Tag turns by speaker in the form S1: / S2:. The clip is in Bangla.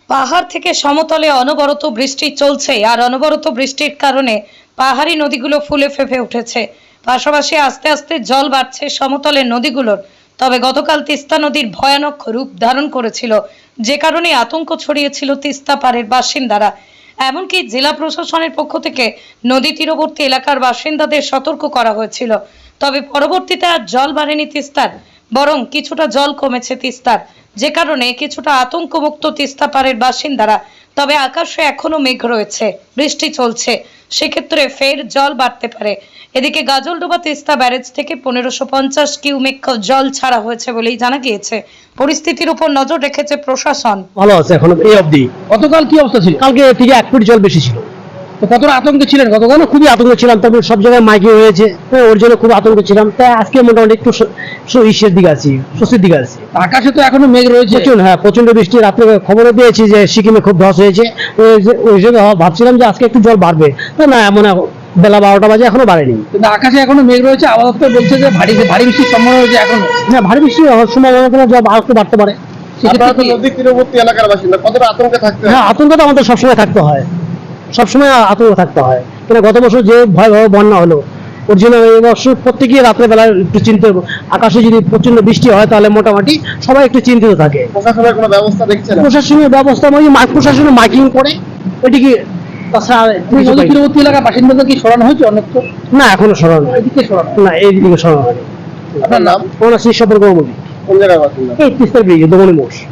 S1: পাহাড় থেকে সমতলে অনবরত বৃষ্টি চলছে আর অনবরত বৃষ্টির কারণে পাহাড়ি নদীগুলো ফুলে ফেঁপে উঠেছে। পাশাপাশি আস্তে আস্তে জল বাড়ছে সমতলের নদীগুলোর। তবে গতকাল তিস্তা নদীর ভয়ানক রূপ ধারণ করেছিল, যে কারণে আতঙ্ক ছড়িয়েছিল তিস্তা পাড়ের বাসিন্দারা। এমনকি জেলা প্রশাসনের পক্ষ থেকে নদী তীরবর্তী এলাকার বাসিন্দাদের সতর্ক করা হয়েছিল। তবে পরবর্তীতে আর জল বাড়েনি তিস্তার, বরং কিছুটা জল কমেছে তিস্তার, যে কারণে কিছুটা আতঙ্কমুক্ত তিস্তা পাড়ের বাসিন্দারা। তবে আকাশে এখনো মেঘ রয়েছে, বৃষ্টি চলছে, সেক্ষেত্রে ফের জল বাড়তে পারে। এদিকে গাজলডোবা তিস্তা ব্যারেজ থেকে 1550 কিউমেক জল ছাড়া হয়েছে বলেই জানা গিয়েছে। পরিস্থিতির উপর নজর রেখেছে প্রশাসন।
S2: ভালো আছে এখন এই অবধি।
S3: গতকাল কি অবস্থা ছিল?
S2: কালকে থেকে 1 ফুট জল বেশি ছিল।
S3: তো কতটা আতঙ্কে ছিলেন গতকাল?
S2: খুবই আতঙ্ক ছিলাম, তবে সব জায়গায় মাইকিং হয়েছে, ওর জন্য খুব আতঙ্ক ছিলাম। তাই আজকে মোটামুটি একটু ইসের দিকে আছি, স্বস্তির দিকে আছি।
S3: আকাশে তো এখনো মেঘ রয়েছে।
S2: প্রচন্ড বৃষ্টি। রাত্রে খবরও পেয়েছি যে সিকিমে খুব ধস হয়েছে। ওই জন্য ভাবছিলাম যে আজকে একটু জল বাড়বে, না এমন বেলা 12টা বাজে এখনো বাড়েনি।
S3: কিন্তু আকাশে এখনো মেঘ রয়েছে, আবহাওয়া দপ্তর বলছে যে ভারী বৃষ্টির সম্ভাবনা রয়েছে এখনো।
S2: হ্যাঁ, ভারী বৃষ্টি হওয়ার সম্ভাবনা জল আর একটু বাড়তে পারে।
S4: আপনারা তো নদী তীরবর্তী এলাকার বাসিন্দা, কতটা আতঙ্কে থাকতে হয়?
S2: হ্যাঁ, আতঙ্ক তো আমাদের সবসময় থাকতে হয়, সবসময় আতঙ্ক থাকতে হয়। কিন্তু গত বছর যে ভয়াবহ বন্যা হলো, ওর জন্য এই বছর প্রত্যেকেই রাত্রেবেলা একটু চিন্তিত। আকাশে যদি প্রচন্ড বৃষ্টি হয় তাহলে মোটামুটি সবাই একটু চিন্তিত থাকে।
S4: প্রশাসনের কোনো ব্যবস্থা দেখছেন?
S2: প্রশাসনের ব্যবস্থা প্রশাসনের মাইকিং করে এটিকে। তাছাড়া
S3: নদী তীরবর্তী এলাকার বাসিন্দাদের কি সরানো হয়েছে অনেকটা?
S2: না, এখনো সরানো হয়নি।
S3: এদিকে সরানো?
S2: না, এইদিকে সরানো হয়নি।
S4: আপনার নাম?
S2: ওনার সেই সম্পর্ক
S4: কোন জায়গায় বাসিন্দা?
S2: এই তিস্তার ব্রিজে দমনি মোড়।